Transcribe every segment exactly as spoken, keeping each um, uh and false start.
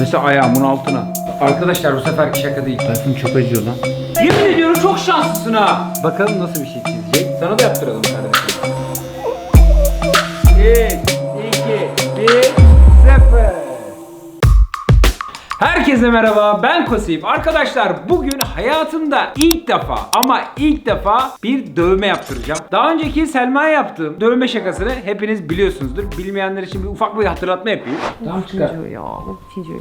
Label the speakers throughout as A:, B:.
A: Mesela ayağımın altına. Arkadaşlar bu seferki şaka değil. Tayfun çok acıyor lan. Yemin ediyorum çok şanslısın ha. Bakalım nasıl bir şey çizecek. Sana da yaptıralım kardeşim. üç, iki, bir, sıfır. Herkese merhaba, ben Kosif. Arkadaşlar bugün hayatımda ilk defa ama ilk defa bir dövme yaptıracağım. Daha önceki Selma'ya yaptığım dövme şakasını hepiniz biliyorsunuzdur. Bilmeyenler için bir ufak bir hatırlatma yapayım. Tamam çıkar.
B: Ya, o çocuğu.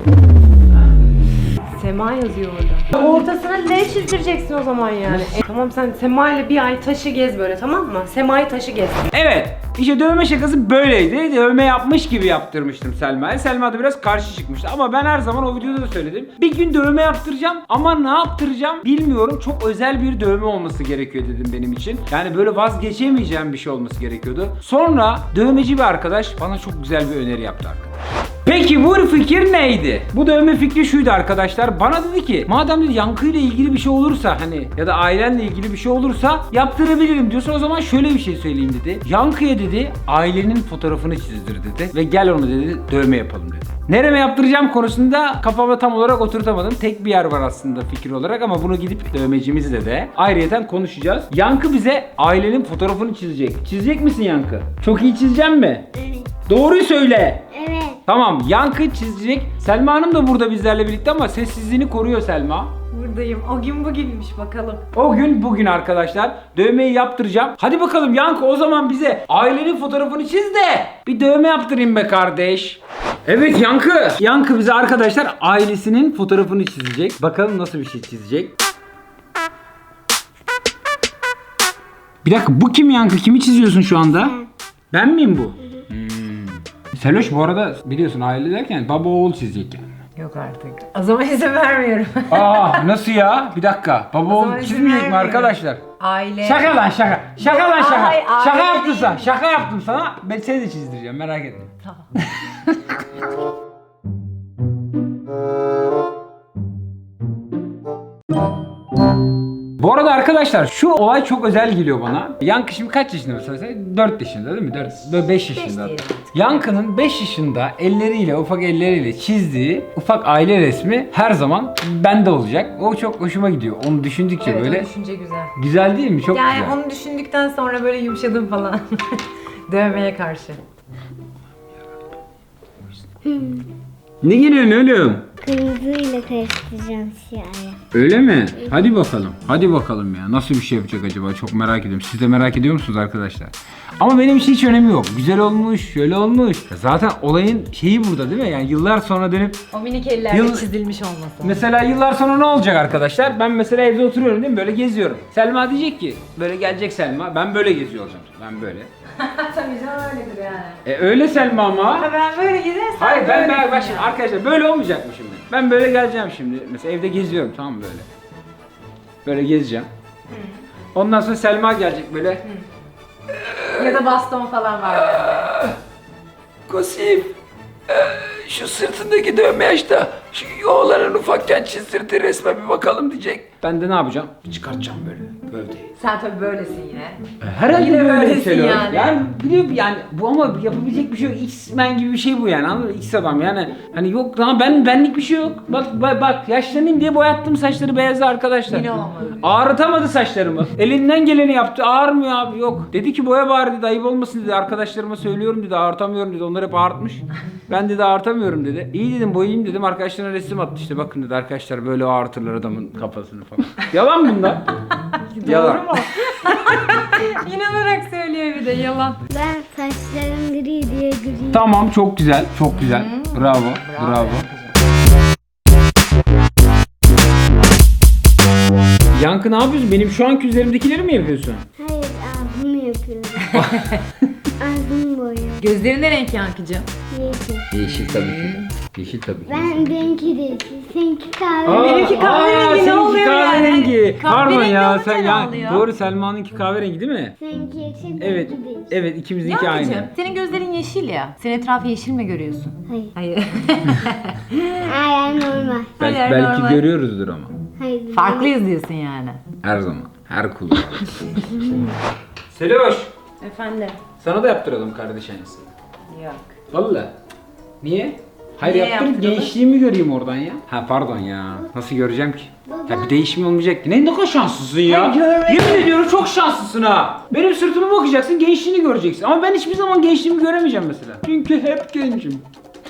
B: Sema yazıyor orada. Ortasına L çizdireceksin o zaman yani. E, tamam sen Sema ile bir ay taşı gez böyle, tamam mı? Sema'yı taşı gez.
A: Evet, işte dövme şakası böyleydi. Dövme yapmış gibi yaptırmıştım Selma'ya. Selma da biraz karşı çıkmıştı ama ben her zaman o videoda da söyledim. Bir gün dövme yaptıracağım ama ne yaptıracağım bilmiyorum. Çok özel bir dövme olması gerekiyor dedim benim için. Yani böyle vazgeçemeyeceğim bir şey olması gerekiyordu. Sonra dövmeci bir arkadaş bana çok güzel bir öneri yaptı arkadaşlar. Peki bu fikir neydi? Bu dövme fikri şuydu arkadaşlar. Bana dedi ki madem dedi yankıyla ilgili bir şey olursa hani ya da ailenle ilgili bir şey olursa yaptırabilirim diyorsa o zaman şöyle bir şey söyleyeyim dedi. Yankıya dedi ailenin fotoğrafını çizdir dedi ve gel onu dedi dövme yapalım dedi. Nereme yaptıracağım konusunda kafama tam olarak oturtamadım. Tek bir yer var aslında fikir olarak ama bunu gidip dövmecimizle de ayrıyeten konuşacağız. Yankı bize ailenin fotoğrafını çizecek. Çizecek misin Yankı? Çok iyi çizeceğim mi?
C: Evet.
A: Doğruyu söyle.
C: Evet.
A: Tamam, Yankı çizecek. Selma Hanım da burada bizlerle birlikte ama sessizliğini koruyor Selma.
B: Buradayım. O gün bugünmüş bakalım.
A: O gün bugün arkadaşlar dövmeyi yaptıracağım. Hadi bakalım Yankı o zaman bize ailenin fotoğrafını çiz de bir dövme yaptırayım be kardeş. Evet Yankı. Yankı bize arkadaşlar ailesinin fotoğrafını çizecek. Bakalım nasıl bir şey çizecek. Bir dakika bu kim Yankı? Kimi çiziyorsun şu anda? Ben miyim bu? Seloş bu arada biliyorsun aile derken baba oğul çizecek yani.
B: Yok artık. O zaman izin vermiyorum.
A: Aa nasıl ya? Bir dakika. Baba
B: O
A: oğul
B: zaman izin
A: çizmeyecek mi
B: vermiyorum.
A: arkadaşlar?
B: Aile.
A: Şaka lan şaka. Şaka lan şaka.
B: Ay,
A: şaka
B: aile
A: yaptım sana.
B: değil.
A: Şaka yaptım sana. Ben seni de çizdireceğim merak etme.
B: Tamam.
A: Bu arada arkadaşlar şu olay çok özel geliyor bana. Yankı şimdi kaç yaşında mesela? dört yaşında değil mi? dört, beş yaşında.
B: diyelim.
A: Yankı'nın beş yaşında elleriyle, ufak elleriyle çizdiği ufak aile resmi her zaman bende olacak. O çok hoşuma gidiyor. Onu düşündükçe
B: Evet,
A: böyle
B: o düşünce güzel.
A: güzel değil mi? Çok
B: Yani
A: güzel.
B: onu düşündükten sonra böyle yumuşadım falan. Dövmeye karşı.
A: Ne geliyorsun oğlum?
C: Kırmızıyla karıştıracağım siyahı.
A: Öyle mi? Hadi bakalım. Hadi bakalım ya. Nasıl bir şey yapacak acaba? Çok merak ediyorum. Siz de merak ediyor musunuz arkadaşlar? Ama benim için hiç önemi yok. Güzel olmuş, şöyle olmuş. Zaten olayın şeyi burada değil mi? Yani yıllar sonra dönüp
B: O minik ellerle
A: Yıl-
B: çizilmiş olması.
A: mesela yıllar sonra ne olacak arkadaşlar? Ben mesela evde oturuyorum değil mi? Böyle geziyorum. Selma diyecek ki, böyle gelecek Selma. Ben böyle geziyor olacağım. Ben böyle.
B: Tabii canım öyledir yani.
A: E öyle Selma ama.
B: Ha, ben böyle gidersem
A: Hayır ben
B: böyle
A: ben bak şimdi arkadaşlar böyle olmayacak mı şimdi? Ben böyle geleceğim şimdi. Mesela evde geziyorum tamam mı böyle. Böyle gezeceğim. Ondan sonra Selma gelecek böyle.
B: Ya da baston falan var yani.
A: Kosif, şu sırtındaki dövme yaşta şu oğlanın ufakken çizdirdiği resme bir bakalım diyecek. Ben de ne yapacağım? Çıkartacağım böyle gövdeyi.
B: Sen tabii böylesin yine.
A: Herhalde
B: Yine
A: böyle bir
B: böylesin
A: şey yani.
B: yani.
A: Yani biliyorum yani bu ama yapabilecek bir şey yok. X-Men gibi bir şey bu yani anladın mı? X adam yani. Hani yok lan ben benlik bir şey yok. Bak bak, bak yaşlanayım diye boyattım saçları beyazı arkadaşlar.
B: Yine olmadı.
A: Ağrıtamadı saçlarımı. Elinden geleni yaptı. Ağrımıyor abi yok. Dedi ki boya bari dedi ayıp olmasın dedi. Arkadaşlarıma söylüyorum dedi ağrıtamıyorum dedi. Onlar hep ağrıtmış. Ben dedi ağrıtamıyorum dedi. İyi dedim boyayayım dedim. Arkadaşlarına resim attı işte bakın dedi arkadaşlar böyle ağrıtırlar adamın kafasını falan. Yalan bunlar. Yalan.
B: Doğru mu? İnanarak söylüyor bir de yalan.
C: Ben saçlarım gri diye gri.
A: Tamam çok güzel, çok güzel. Bravo, bravo. Yankı ne yapıyorsun? Benim şu anki üzerimdekileri mi yapıyorsun?
C: Hayır ağzımı yapıyorum. Ağzımı boyuyorum.
B: Gözlerin ne renk Yankıcığım?
C: Yeşil.
A: Yeşil tabii ki. Yeşil tabii ki.
C: Ben benimki de yeşil. Seninki kahve.
A: Aa,
B: Benimki kahverengi,
A: aa,
B: ne
A: seninki
B: oluyor yani?
A: kahverengi. Pardon
B: Kahverengi
A: ya
B: olunca
A: sen
B: ne
A: ya
B: oluyor?
A: doğru Selma'nınki kahverengi değil mi?
C: Seninki yeşil.
A: Evet.
C: benimki de yeşil.
A: Evet ikimizinki
B: Yankıcığım
A: aynı.
B: senin gözlerin yeşil ya. Sen etrafı yeşil mi görüyorsun?
C: Hayır.
B: Hayır.
C: Hayır normal.
A: Belki,
B: Hayır,
A: belki
B: normal.
A: görüyoruzdur ama.
C: Hayır.
B: Farklıyız diyorsun yani.
A: Her zaman. Her kullanım. Seloş.
B: Efendim?
A: Sana da yaptıralım kardeş aynısını.
B: Yok.
A: Vallahi. Niye? Hayır
B: Niye
A: yaptırıp
B: yaptıralım?
A: gençliğimi göreyim oradan ya. Ha pardon ya. Nasıl göreceğim ki? Ya bir değişim olmayacak ki. Ne ne kadar şanslısın ya.
B: Ben görmedim.
A: Yemin ediyorum çok şanslısın ha. Benim sırtıma bakacaksın, gençliğini göreceksin. Ama ben hiçbir zaman gençliğimi göremeyeceğim mesela. Çünkü hep gencim.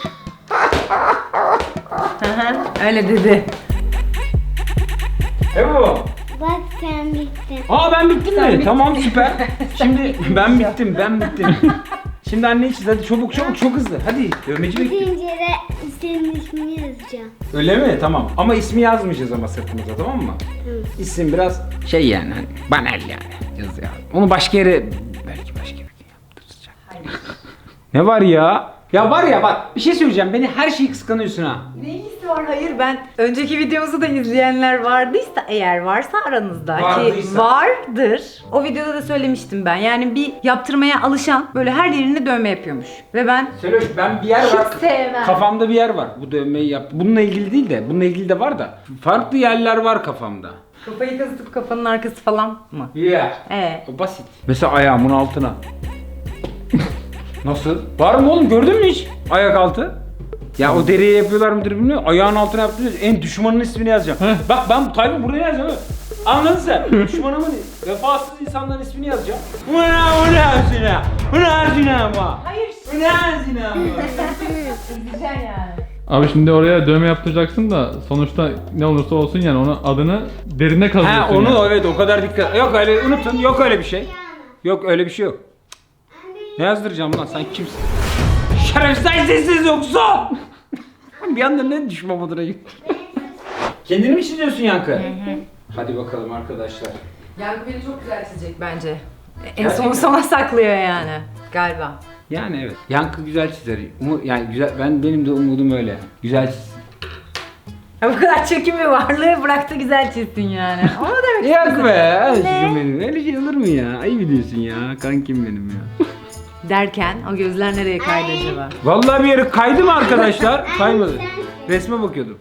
B: Öyle dedi.
A: Evet bu.
C: Bak sen bittin.
A: Aa ben bittim
B: Sen
A: mi?
B: bittin.
A: Tamam süper. Şimdi ben bittim, ben bittim. Şimdi anne çiz hadi çabuk çabuk çok hızlı. Hadi dövmeci bekliyor.
C: Bitince de senin ismini yazacağım.
A: Öyle mi? Tamam. Ama ismi yazmayacağız ama sırtımıza, tamam mı?
C: Hı.
A: İsim biraz şey yani hani banal yani yaz ya. Onu başka yere belki başka bir gün yaptıracak. Ne var ya? Ya var ya bak bir şey söyleyeceğim. Beni her şeyi kıskanıyorsun ha.
B: Ne ilgisi var? Hayır, ben önceki videomuzu da izleyenler vardıysa, eğer varsa aranızda ki
A: Vardıysa.
B: vardır. O videoda da söylemiştim ben. Yani bir yaptırmaya alışan böyle her yerine dövme yapıyormuş. Ve ben
A: Söyle ben bir yer
B: Hiç
A: var.
B: sevmem.
A: Kafamda bir yer var. Bu dövmeyi yap. Bununla ilgili değil de bununla ilgili de var da. Farklı yerler var kafamda.
B: kafayı kazıtıp kafanın arkası falan mı?
A: Yeah.
B: Ee.
A: O basit. Mesela ayağımın altına. Nasıl? Var mı oğlum? Gördün mü hiç? Ayak altı. Ya o deriye yapıyorlar mıdır bilmiyorum. Ayağın altına yaptınız. En düşmanın ismini yazacağım. Bak ben Tayyip'i buraya yazacağım. ha. Anladın sen? Düşmanımın, vefasız insanların ismini yazacağım. Bu ne? Bu ne zina? Bu ne zina mı?
B: Hayır.
A: Bu ne zina mı?
B: Üzüleceksin yani.
D: Abi şimdi oraya dövme yaptıracaksın da sonuçta ne olursa olsun yani onun adını derine kazıyorsun.
A: Ha onu
D: yani.
A: evet o kadar dikkat. Yok öyle unutun. Yok öyle bir şey. Yok öyle bir şey yok. Ne yazdıracağım lan sen kimsin? Şerefsiz sessiz yoksa. Bir anda ne düşman moduna gitti. Kendini mi çiziyorsun Yankı? Hadi bakalım arkadaşlar.
B: Yankı beni çok güzel çizecek bence. En
A: Gerçekten.
B: son sona saklıyor yani. Galiba.
A: Yani evet. Yankı güzel çizer. Umu, yani güzel. Ben benim de umudum öyle. Güzel çizsin.
B: Ya bu kadar çekim bir varlığı bıraktı güzel çizsin yani. Ama demek
A: Yok be. Aşkım
B: Ne?
A: benim. Öyle şey olur mu ya? Ayıp ediyorsun ya. Kankim benim ya.
B: derken o gözler nereye kaydı acaba?
A: Vallahi bir yere kaydı mı arkadaşlar? Kaymadı. Resme bakıyordum.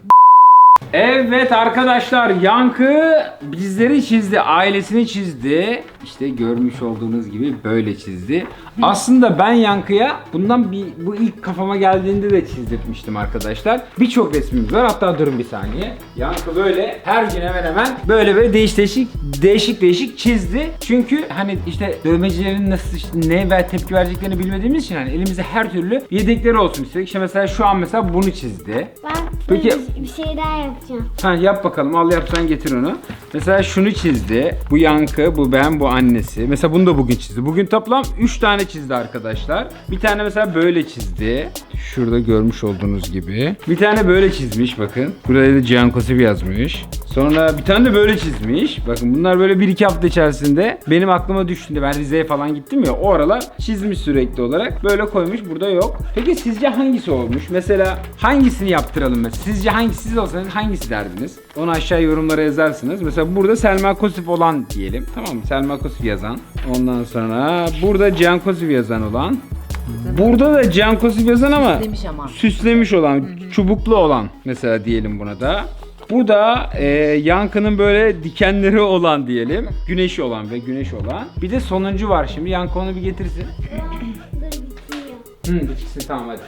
A: Evet arkadaşlar Yankı bizleri çizdi, ailesini çizdi. İşte görmüş olduğunuz gibi böyle çizdi. Aslında ben Yankı'ya bundan bir bu ilk kafama geldiğinde de çizdirtmiştim arkadaşlar. Birçok resmimiz var. Hatta durun bir saniye. Yankı böyle her gün hemen hemen böyle böyle değiş değişik değişik değişik çizdi. Çünkü hani işte dövmecilerin nasıl işte ne ve tepki vereceklerini bilmediğimiz için hani elimizde her türlü yedekleri olsun istedik. İşte mesela şu an mesela bunu çizdi.
C: Ben
A: Peki-
C: bir, bir şey daha yapacağım.
A: Ha yap bakalım. Al yapsan getir onu. Mesela şunu çizdi. Bu Yankı, bu ben, bu annesi. Mesela bunu da bugün çizdi. Bugün toplam üç tane çizdi arkadaşlar. Bir tane mesela böyle çizdi. Şurada görmüş olduğunuz gibi. Bir tane böyle çizmiş bakın. Buraya da Cihan Kosip yazmış. Sonra bir tane de böyle çizmiş. Bakın bunlar böyle bir iki hafta içerisinde benim aklıma düştüğünde ben Rize'ye falan gittim ya o aralar çizmiş sürekli olarak. Böyle koymuş. Burada yok. Peki sizce hangisi olmuş? Mesela hangisini yaptıralım mesela? Sizce hangisi siz olsanız hangisi derdiniz? Onu aşağı yorumlara yazarsınız. Mesela burada Selma Kosif olan diyelim. Tamam mı? Selma Kosif yazan. Ondan sonra burada Cihan Kosif yazan olan. Burada da Cihan Kosif yazan ama
B: Süslemiş ama.
A: süslemiş olan, çubuklu olan mesela diyelim buna da. Bu da e, Yankı'nın böyle dikenleri olan diyelim. Güneşi olan ve güneş olan. Bir de sonuncu var şimdi. Yankı onu bir getirsin.
C: Dur bitiyor.
A: Hı, bitirsin tamam hadi.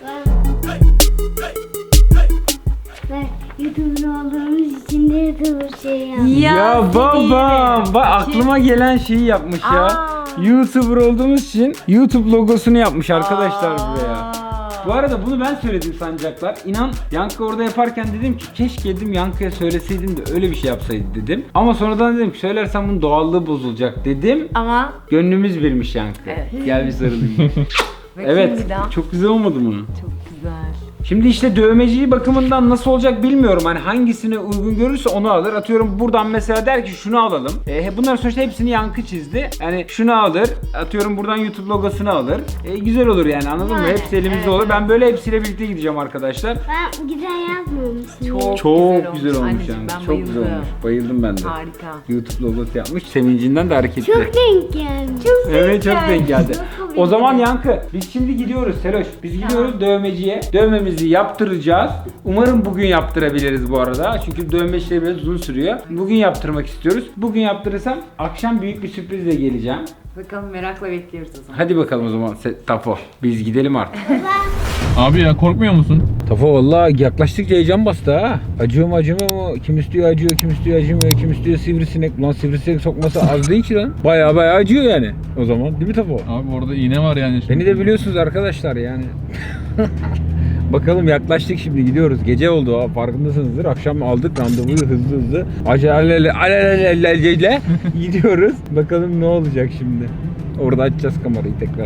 C: Ben YouTuber olduğumuz için de YouTuber şey yaptım.
A: Ya, babam, bak aklıma gelen şeyi yapmış ya.
B: Aa.
A: YouTuber olduğumuz için YouTube logosunu yapmış arkadaşlar
B: Aa.
A: buraya. Bu arada bunu ben söyledim sanacaklar. İnan Yankı orada yaparken dedim ki keşke dedim Yankı'ya söyleseydin de öyle bir şey yapsaydı dedim. Ama sonradan dedim ki söylersem bunun doğallığı bozulacak dedim.
B: Ama
A: Gönlümüz birmiş Yankı.
B: Evet.
A: Gel bir sarılayım.
B: bakayım
A: Evet
B: bir daha.
A: çok güzel olmadı mı?
B: Çok güzel.
A: Şimdi işte dövmeciyi bakımından nasıl olacak bilmiyorum. Hani hangisini uygun görürse onu alır. Atıyorum buradan mesela der ki şunu alalım. E, bunların sonuçta hepsini Yankı çizdi. Yani şunu alır. Atıyorum buradan YouTube logosunu alır. E, güzel olur yani anladın mı?
C: Yani,
A: Hepsi elimizde
B: evet,
A: olur.
B: evet.
A: Ben böyle hepsiyle birlikte gideceğim arkadaşlar.
C: Ben güzel yazmamışım.
B: Çok,
A: Çok güzel olmuş,
B: Anneciğim,
A: yani.
B: ben
A: Çok güzel
B: bayıldım.
A: olmuş. Bayıldım ben de.
B: Harika.
A: YouTube logosu yapmış. Sevincinden de hareketli.
C: Çok denk geldi. Çok
A: Evet çok denk geldi.
C: Nasıl
A: O zaman
C: bildin?
A: Yankı biz şimdi gidiyoruz Seloş. Biz gidiyoruz dövmeciye. Dövmemizi yaptıracağız. Umarım bugün yaptırabiliriz bu arada. Çünkü dövme işleri biraz uzun sürüyor. Bugün yaptırmak istiyoruz. Bugün yaptırırsam akşam büyük bir sürprizle geleceğim.
B: Bakalım merakla bekliyoruz o zaman.
A: Hadi bakalım o zaman Se- Tafo. Biz gidelim artık.
C: Baba,
D: Abi ya korkmuyor musun?
A: Tafo vallahi yaklaştıkça heyecan bastı ha. Acıyor mu acımıyor mu? Kim istiyor acıyor, kim istiyor acımıyor, kim istiyor sivrisinek. Ulan sivrisinek sokması az değil ki lan. Baya baya acıyor yani. O zaman değil mi Tafo?
D: Abi orada iğne var yani. Şimdi.
A: Beni de biliyorsunuz arkadaşlar yani. Bakalım yaklaştık şimdi gidiyoruz. Gece oldu ha farkındasınızdır. Akşam aldık randevuyu hızlı hızlı. Acele alelelelelele gidiyoruz. Bakalım ne olacak şimdi. Orada açacağız kamerayı tekrar.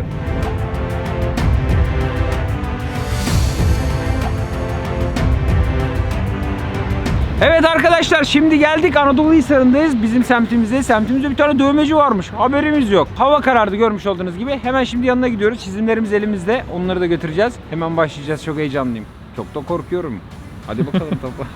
A: Evet arkadaşlar şimdi geldik Anadolu Hisarı'ndayız. Bizim semtimize. Semtimizde bir tane dövmeci varmış. Haberimiz yok. Hava karardı görmüş olduğunuz gibi. Hemen şimdi yanına gidiyoruz. Çizimlerimiz elimizde. Onları da götüreceğiz. Hemen başlayacağız. Çok heyecanlıyım. Çok da korkuyorum. Hadi bakalım topa.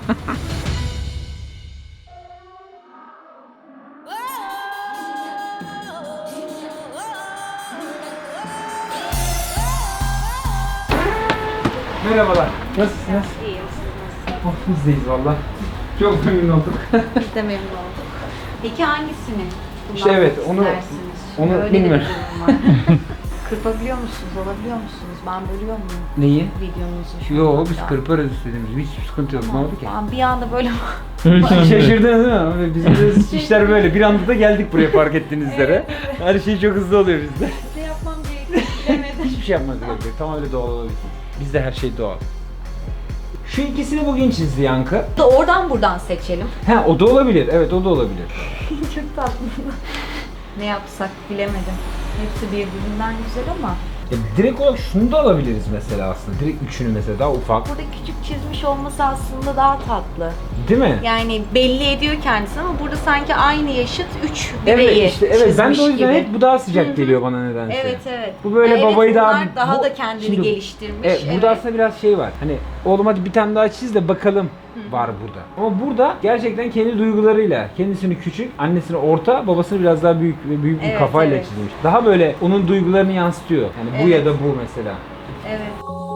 A: Merhabalar. Nasılsınız?
E: İyiyim, siz nasılsınız?
A: Oh, biz deyiz valla. Çok memnun olduk.
E: Biz de memnun olduk. Peki hangisini
A: İşte evet, onu-
E: istersiniz?
A: onu
E: Öyle de bir
A: bilmiyorum.
E: durum var. Kırpabiliyor musunuz, alabiliyor musunuz? Ben bölüyor muyum
A: Neyi?
E: videonuzu? şu
A: Yo
E: anda?
A: biz kırparız istediğimiz. Hiç sıkıntı yok. Ne oldu ki?
E: Ben bir anda böyle
D: Öyle şey mi?
A: Şaşırdınız değil mi? Bizim de işler böyle. Bir anda da geldik buraya fark ettiğiniz üzere. Her şey çok hızlı oluyor bizde.
E: ne yapmam gerektiğini bilemedim.
A: Hiçbir şey yapmanız gerekiyor. Tam öyle doğal olabilir. Bizde her şey doğal. Şu ikisini bugün çizdi Yankı.
E: Da oradan buradan seçelim.
A: Ha o da olabilir. Evet o da olabilir.
E: Çok tatlı. Ne yapsak bilemedim. Hepsi birbirinden güzel ama
A: Ya, direkt olarak şunu da alabiliriz mesela aslında. Direkt üçünü mesela daha ufak.
E: burada küçük çizmiş olması aslında daha tatlı.
A: Değil mi?
E: Yani belli ediyor kendisini ama burada sanki aynı yaşıt üç bireyi
A: Evet işte evet ben de o
E: çizmiş
A: yüzden
E: gibi.
A: hep bu daha sıcak geliyor bana nedense.
E: Evet evet.
A: Bu böyle
E: Evet,
A: babayı daha
E: bunlar daha
A: bu-
E: da kendini
A: Şimdi-
E: geliştirmiş.
A: Evet, burada aslında biraz şey var. Hani oğlum hadi bir tane daha çiz de bakalım var burada. Ama burada gerçekten kendi duygularıyla, kendisini küçük, annesini orta, babasını biraz daha büyük ve büyük bir
E: Evet,
A: kafayla
E: evet.
A: çizmiş. Daha böyle onun duygularını yansıtıyor. Yani bu
E: Evet.
A: ya da bu mesela.
E: Evet.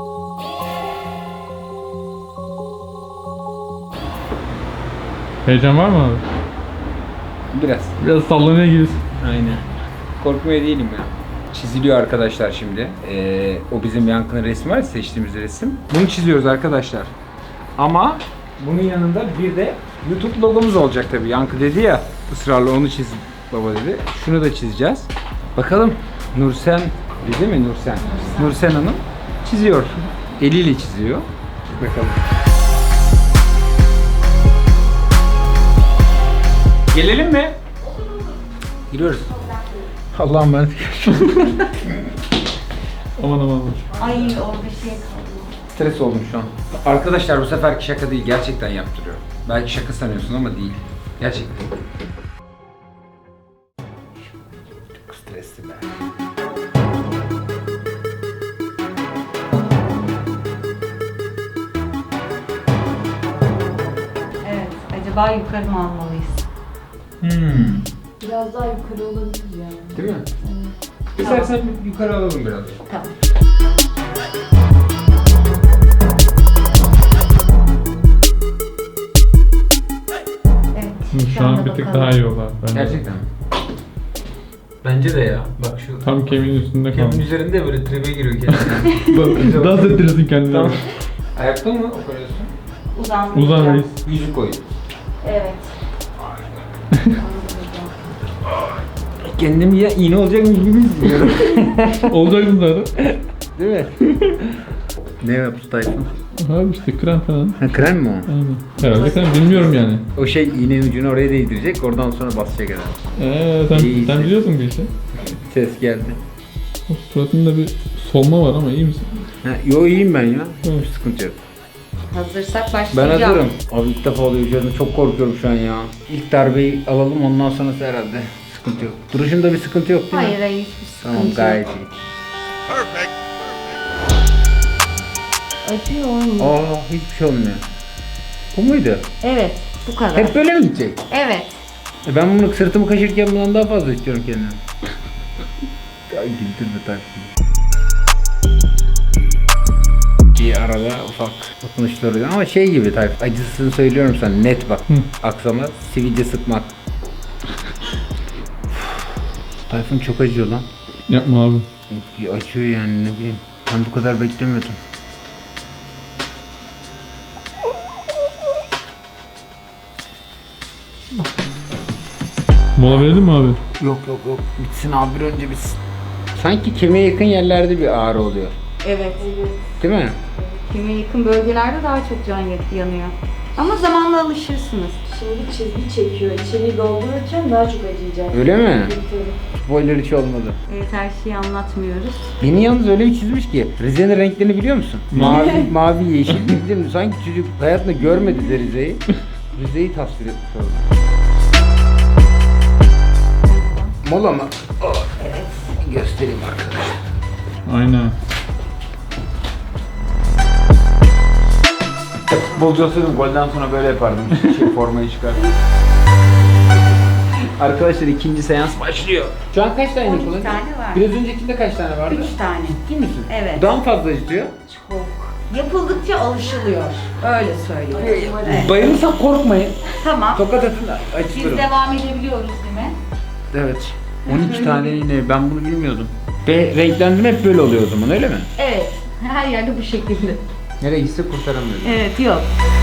D: Heyecan var mı abi?
A: Biraz.
D: Biraz sallanıyor gibisin.
A: Aynen. Korkmuyor değilim ya. Çiziliyor arkadaşlar şimdi. Ee, o bizim Yankı'nın resmi var ya, seçtiğimiz resim. Bunu çiziyoruz arkadaşlar. Ama bunun yanında bir de YouTube logomuz olacak tabii. Yankı dedi ya ısrarla onu çiz baba dedi. Şunu da çizeceğiz. Bakalım Nursen değil mi Nursen? Nursen Hanım çiziyor. Eliyle çiziyor. Bakalım. Gelelim mi? Giriyoruz. Allah'ım ben
D: Aman aman.
E: Ay orada şey kaldı.
A: stres oldum şu an. Arkadaşlar bu seferki şaka değil, gerçekten yaptırıyor. Belki şaka sanıyorsun ama değil. Gerçekten. Çok stresli be.
E: Evet. Acaba yukarı mı almalıyız?
A: Hmm.
E: Biraz daha yukarı olabilir yani.
A: Değil mi? İstersen yukarı alalım biraz.
E: Tamam. Evet.
D: Şu an
E: anda
D: bir tık
E: bakalım.
D: daha iyi oldu abi. Bence.
A: Gerçekten mi? Bence de ya. Bak şu
D: Tam kemiğin üstünde
A: kemiğin
D: kalmış.
A: üzerinde böyle tribe giriyor kendine.
D: Dans ettirirsin kendini.
A: Tamam. Ayakta mı operasyon?
E: Uzandım.
D: Uzan reis.
A: Yüzük koy.
E: Evet.
A: Kendimi ya iğne olacakmış gibi hissediyorum.
D: Olacaksın zaten.
A: Değil mi? Ne yaptı Tayfun?
D: Abi işte krem falan.
A: Ha, krem mi o?
D: Aynen. Herhalde krem bilmiyorum yani.
A: O şey iğnenin ucunu oraya değdirecek, oradan sonra basacak herhalde.
D: Eee sen,
A: İyi,
D: sen
A: iyi.
D: biliyorsun bu işi.
A: Ses geldi.
D: O suratında bir solma var ama iyi misin?
A: Ha, yo iyiyim ben ya.
D: Hı.
A: Hiç sıkıntı yok.
E: Hazırsak
A: Ben
E: başlayacağım.
A: hazırım. Abi ilk defa oluyor üzerinde, çok korkuyorum şu an ya. İlk darbeyi alalım, ondan sonrası herhalde sıkıntı yok. Duruşunda bir sıkıntı yok değil mi?
E: Hayır hayır hiçbir sıkıntı
A: Tamam
E: yok.
A: gayet iyi.
E: Acıyor mu?
A: Aa hiçbir şey olmuyor. Bu muydu?
E: Evet. Bu kadar.
A: Hep böyle mi gidecek?
E: Evet.
A: E ben bunu sırtımı kaşırken bundan daha fazla istiyorum kendime. Ya güldürme Tayfun. Bir arada ufak dokunuşlar oluyor ama şey gibi Tayfun, acısını söylüyorum sana net bak. Aksama sivilce sıkmak. Tayfun çok acıyor lan.
D: Yapma abi.
A: Acıyor yani, ne bileyim. Ben bu kadar beklemiyordum.
D: Mola verelim mi abi?
A: Yok yok yok. Bitsin abi, bir önce bitsin. Sanki kemiğe yakın yerlerde bir ağrı oluyor.
E: Evet.
A: Değil mi?
E: Kemiğe yakın bölgelerde daha çok can yanıyor. Ama zamanla alışırsınız.
B: Şimdi çizgi çekiyor. İçeriği doldururken daha çok acıyacak.
A: Öyle mi?
B: Tabii.
A: Spoiler hiç olmadı.
E: Evet, her şeyi anlatmıyoruz.
A: Beni yalnız öyle bir çizmiş ki. Rize'nin renklerini biliyor musun? Mavi, mavi, yeşil. Bildim. Sanki çocuk hayatında görmedi de Rize'yi. Rize'yi tasvir etmiş orada. Mola mı? Oh, evet. Göstereyim arkadaşlar.
D: Aynen.
A: Futbolcu olsaydım golden sonra böyle yapardım. Şey, formayı çıkar. Arkadaşlar ikinci seans başlıyor. Şu an kaç tane
E: on iki
A: kullanıyor?
E: tane var.
A: Biraz öncekinde kaç tane vardı?
E: Üç tane.
A: Ciddi misin?
E: Evet.
A: Daha mı fazla acıtıyor?
E: Çok. Yapıldıkça alışılıyor. Öyle söyleyeyim. Evet.
A: Bayılırsak korkmayın.
E: Tamam.
A: Tokat atın
E: Biz
A: acıtırım.
E: devam edebiliyoruz değil mi?
A: Evet. on iki tane yine, ben bunu bilmiyordum. Ve renklendirme hep böyle oluyor o zaman, öyle mi?
E: Evet. Her yerde bu şekilde.
A: Nereye gitse kurtaramıyoruz.
E: Evet, yok.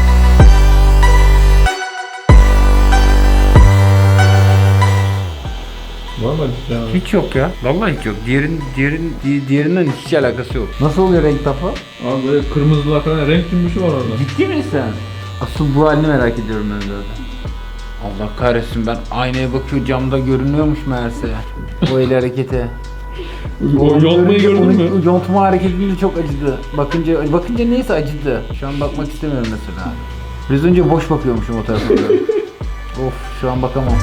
D: Var mı acısı abi?
A: Hiç yok ya. Vallahi hiç yok. Diğerin, diğerin, di- diğerinden hiç alakası yok. Nasıl oluyor renk tapı?
D: Abi böyle kırmızılar falan renk cümbüşü var orada.
A: Ciddi misin sen? Asıl bu halini merak ediyorum ben zaten. Allah kahretsin, ben aynaya bakıyor, camda görünüyormuş meğerse. O el hareketi.
D: O yontmayı gördün mü?
A: O yontma hareketinde çok acıdı. Bakınca bakınca neyse acıdı. Şu an bakmak istemiyorum mesela. Biraz önce boş bakıyormuşum o tarafa doğru. Of, şu an bakamam.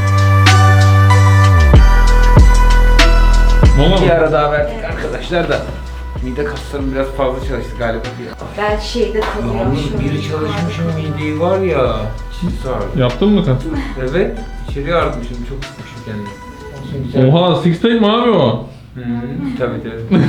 D: Mola
A: Bir
D: mı?
A: ara daha verdik arkadaşlar da. Mide kaslarım biraz fazla çalıştı galiba.
E: Ben şeyde kalıyorum.
A: Yalnız biri çalışmışım mideyi var ya. Çiz sardı.
D: Yaptın mı kat?
A: Evet. İçeriye artmışım, çok sıkmışım kendimi. Olsun, güzel.
D: Oha, six pack mi abi o?
A: Hı, tabii tabii.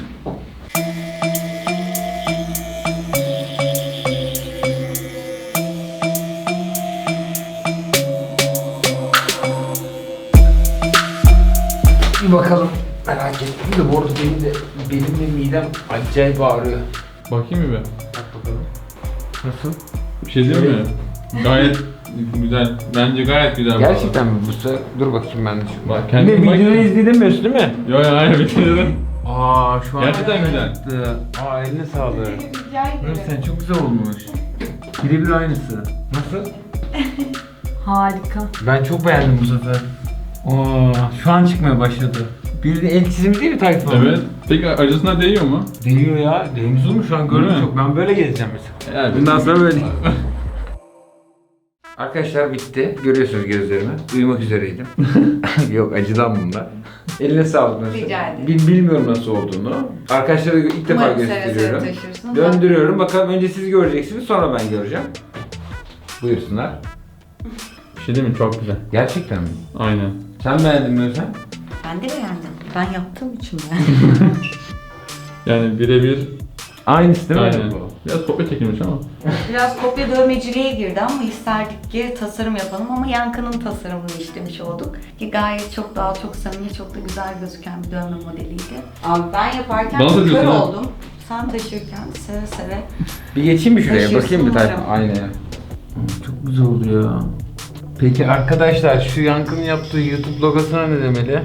A: Bir bakalım. Merak ettim de bu arada benim de benim de midem acayip ağrıyor.
D: Bakayım mı be?
A: Bak bakalım. Nasıl?
D: Bir şey değil mi? Gayet güzel. Bence gayet güzel. bu
A: Gerçekten mi? Bu sefer dur bakayım ben de şu.
D: Bak, kendin bak.
A: izledin mi?
D: arada. Yo yo hayır bitirdim.
A: Aa şu an
D: Gerçekten güzel.
A: acıktı. Aa eline sağlık.
E: Rica ederim.
A: Sen çok güzel olmuş. Birebir aynısı. Nasıl?
E: Harika.
A: Ben çok beğendim bu sefer. Aa şu an çıkmaya başladı. Bir de el çizimi değil mi Tayfun?
D: Evet. Peki acısına değiyor mu?
A: Değiyor ya. Değmiş mu şu an
D: Değil
A: görüyorum
D: mi?
A: çok. Ben böyle gezeceğim mesela.
D: Yani
A: Bundan sonra böyle. Arkadaşlar bitti. Görüyorsunuz gözlerimi. Uyumak üzereydim. Yok acıdan bunlar. Eline sağlık nasıl?
E: Rica ederim.
A: Bil, bilmiyorum nasıl olduğunu. Arkadaşlara ilk defa
E: Umarım seve seve
A: gösteriyorum.
E: taşırsın.
A: Döndürüyorum. Bakalım önce siz göreceksiniz, sonra ben göreceğim. Buyursunlar.
D: bir şey değil mi? Çok güzel.
A: Gerçekten mi?
D: Aynen.
A: Sen beğendin mi Özlem?
E: Ben de beğendim. Ben yaptığım için beğendim.
D: Yani birebir.
A: Aynısı değil mi?
D: Aynen. Biraz kopya çekilmiş ama.
E: Biraz kopya dövmeciliğe girdi ama isterdik ki tasarım yapalım ama Yankı'nın tasarımını işlemiş olduk. Ki gayet çok daha çok samimi, çok da güzel gözüken bir dövme modeliydi. Abi ben yaparken
D: Bana da
E: kör
D: diyorsun ha.
E: oldum. Sen taşırken seve seve.
A: Bir geçeyim mi şuraya?
E: Taşırsın
A: Bakayım bir tane.
E: umarım.
A: Aynaya. Çok güzel oldu ya. Peki arkadaşlar şu Yankı'nın yaptığı YouTube logosuna ne demeli?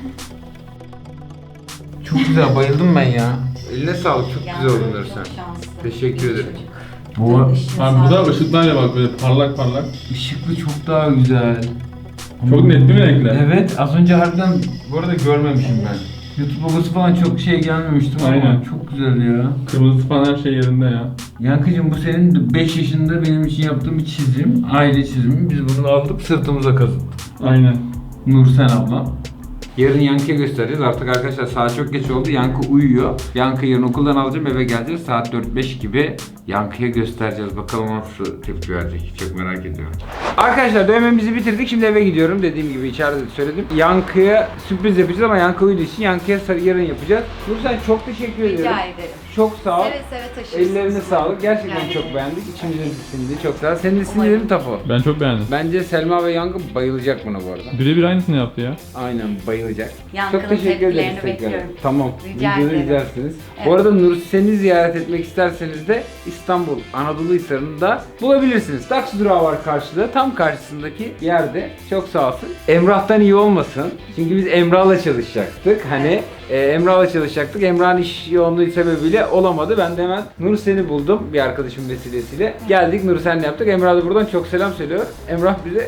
A: Çok güzel, bayıldım ben ya. Eline sağlık, çok güzel
E: Yankı
A: oldun
E: çok
A: Özlem.
E: şanslı.
A: Teşekkür ederim.
E: Çocuk.
A: Bu
E: İşine
D: Abi bu da
E: sağlık.
D: ışıklarla bak böyle parlak parlak.
A: ışıklı çok daha güzel.
D: Çok net değil mi renkler?
A: Evet, az önce harbiden bu arada görmemişim ben. YouTube logosu falan çok şey gelmemiştim ama
D: Aynen.
A: çok güzel ya.
D: Kırmızı falan her şey yerinde ya.
A: Yankıcığım bu senin beş yaşında benim için yaptığın bir çizim, aile çizimi. Biz bunu aldık sırtımıza kazıdık.
D: Aynen.
A: Nursen ablam. Yarın Yankı'ya göstereceğiz. Artık arkadaşlar saat çok geç oldu. Yankı uyuyor. Yankı yarın okuldan alacağım, eve geleceğiz. Saat dört beş gibi Yankı'ya göstereceğiz. Bakalım nasıl tepki verecek. Çok merak ediyorum. Arkadaşlar dövmemizi bitirdik. Şimdi eve gidiyorum. Dediğim gibi içeride de söyledim. Yankı'ya sürpriz yapacağız ama Yankı uyuduğu için Yankı'ya yarın yapacağız. Nursen çok teşekkür ederim.
E: Rica ederim.
A: Çok sağ ol.
E: Seve seve taşırsın.
A: Ellerine sağlık. Gerçekten
E: Yani.
A: çok beğendik. İçimize sindi. Çok sağ ol. Senin de sinirlerin mi Tafo?
D: Ben çok beğendim.
A: Bence Selma ve Yankı bayılacak buna bu arada.
D: Birebir aynısını yaptı ya.
A: Aynen bayılacak.
E: Yankı'nın
A: Çok teşekkür ederiz
E: tepkilerini
A: tekrar.
E: bekliyorum.
A: Tamam.
E: Rica
A: Videoyu
E: ederim.
A: izlersiniz. Bu
E: Evet.
A: arada Nursen'i ziyaret etmek isterseniz de İstanbul Anadolu Hisarı'nda bulabilirsiniz. Taksi durağı var karşıda. Tam karşısındaki yerde. Çok sağ olsun. Emrah'tan iyi olmasın. Çünkü biz Emrah'la çalışacaktık. Hani e, Emrah'la çalışacaktık. Emrah'ın iş yoğunluğu sebebiyle olamadı. Ben de hemen Nursen'i buldum bir arkadaşım vesilesiyle. Geldik Nursen'le yaptık. Emrah da buradan çok selam söylüyor. Emrah bize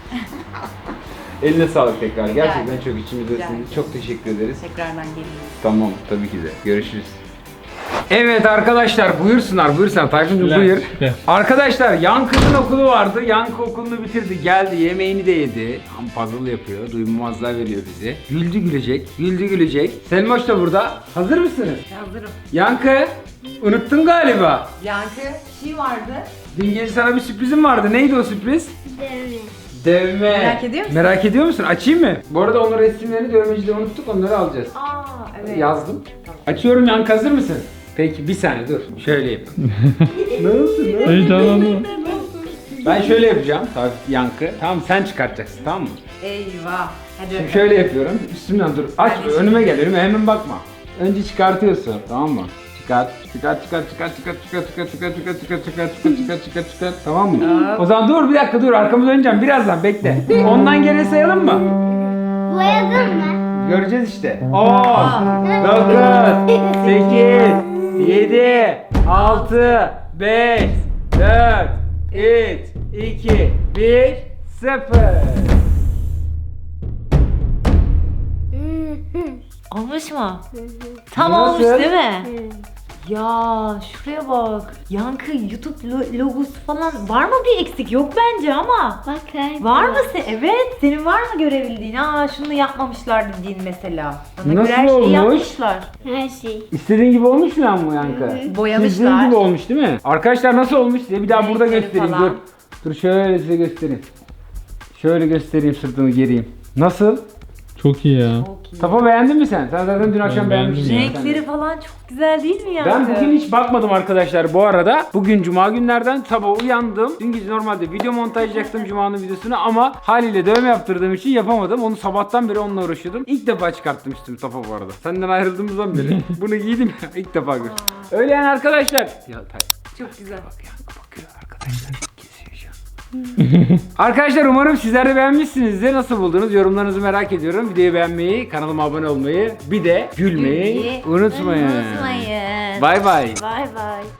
A: eline sağlık tekrar.
E: Rica
A: Gerçekten
E: ederim.
A: çok
E: Rica
A: içimizdesiniz.
E: ederim.
A: Çok teşekkür ederiz.
E: Tekrardan geleyim.
A: Tamam tabii ki de. Görüşürüz. Evet arkadaşlar buyursunlar buyursunlar. Tayfun'cum
D: Gel,
A: buyur.
D: gel.
A: Arkadaşlar Yankı'nın okulu vardı. Yankı okulunu bitirdi. Geldi yemeğini de yedi. Tam puzzle yapıyor. Duymamazlığa veriyor bizi. Güldü gülecek. Güldü gülecek. Selmoş da burada. Hazır mısınız?
E: Hazırım.
A: Yankı unuttun galiba.
E: Yankı şey vardı.
A: Dün gece sana bir sürprizim vardı. Neydi o sürpriz?
C: Dövme.
A: Dövme.
E: Merak ediyor musun?
A: Merak ediyor musun? Açayım mı? Bu arada onun resimlerini dövmecide unuttuk. Onları alacağız.
B: Aa evet.
A: Yazdım. Açıyorum Yankı hazır mısın? Peki bir saniye dur. Şöyle yapayım. Nasıl?
D: Heyecanlandım.
A: Ben şöyle yapacağım. Tabii Yankı. Tamam sen çıkartacaksın tamam mı?
E: Eyvah. Hadi.
A: Şimdi şöyle yapıyorum. Üstümden dur. Aç
E: Ben de
A: önüme gel. Önüme hemen bakma. Önce çıkartıyorsun tamam mı? Çıkart, çıkart, çıkart, çıkart, çıkart, çıkart, çıkart, çıkart, çıkart, çıkart, çıkart, çıkart, çıkart, çıkart, çıkart, tamam mı? O zaman dur bir dakika dur arkamı döneceğim birazdan bekle. Ondan geri sayalım mı?
C: Boyadın mı?
A: Göreceğiz işte. on, dokuz, sekiz, yedi, altı, beş, dört, üç, iki, bir, sıfır.
B: Olmuş mu? Tam
A: Nasıl?
B: olmuş değil mi? Ya şuraya bak. Yankı YouTube lo- logosu falan var mı bir eksik? Yok bence ama.
C: Bak her
B: Var mı sen? Evet. Senin var mı görebildiğin? Aa şunu yapmamışlar dediğin mesela. Bana
A: Nasıl
B: göre her şeyi
A: olmuş?
B: yapmışlar.
C: her şey.
A: İstediğin gibi olmuş mu lan bu Yankı?
B: Boyamışlar.
A: Çizdiğin gibi olmuş değil mi? Arkadaşlar nasıl olmuş size bir daha burada
B: Renkleri
A: göstereyim
B: falan.
A: dur. Dur şöyle size göstereyim. Şöyle göstereyim sırtını geriyim. Nasıl?
D: Çok iyi ya.
A: Safa beğendin mi sen? Sen zaten dün akşam
D: Ben
A: beğenmiştin.
D: beğendim
A: ya.
B: Renkleri falan çok güzel değil mi Yankı?
A: Ben bugün hiç bakmadım arkadaşlar bu arada. Bugün cuma günlerden sabah uyandım. Dün gece normalde video montajlayacaktım cumanın videosunu ama haliyle dövme yaptırdığım için yapamadım. Onu sabahtan beri onunla uğraşıyordum. İlk defa çıkarttım üstümü Safa bu arada. Senden ayrıldığımızdan beri bunu giydim ya ilk defa gördüm. Öyle yani arkadaşlar. Ya tay.
B: Çok güzel.
A: Bak Yankı bakıyor arkadaşlar. Kesiyor şu an. Arkadaşlar umarım sizler de beğenmişsinizdir. Nasıl buldunuz? Yorumlarınızı merak ediyorum. Videoyu beğenmeyi, kanalıma abone olmayı, bir de gülmeyi
B: Gülmeyi
A: unutmayın.
B: Unutmayın.
A: Bay bay.
B: Bay bay.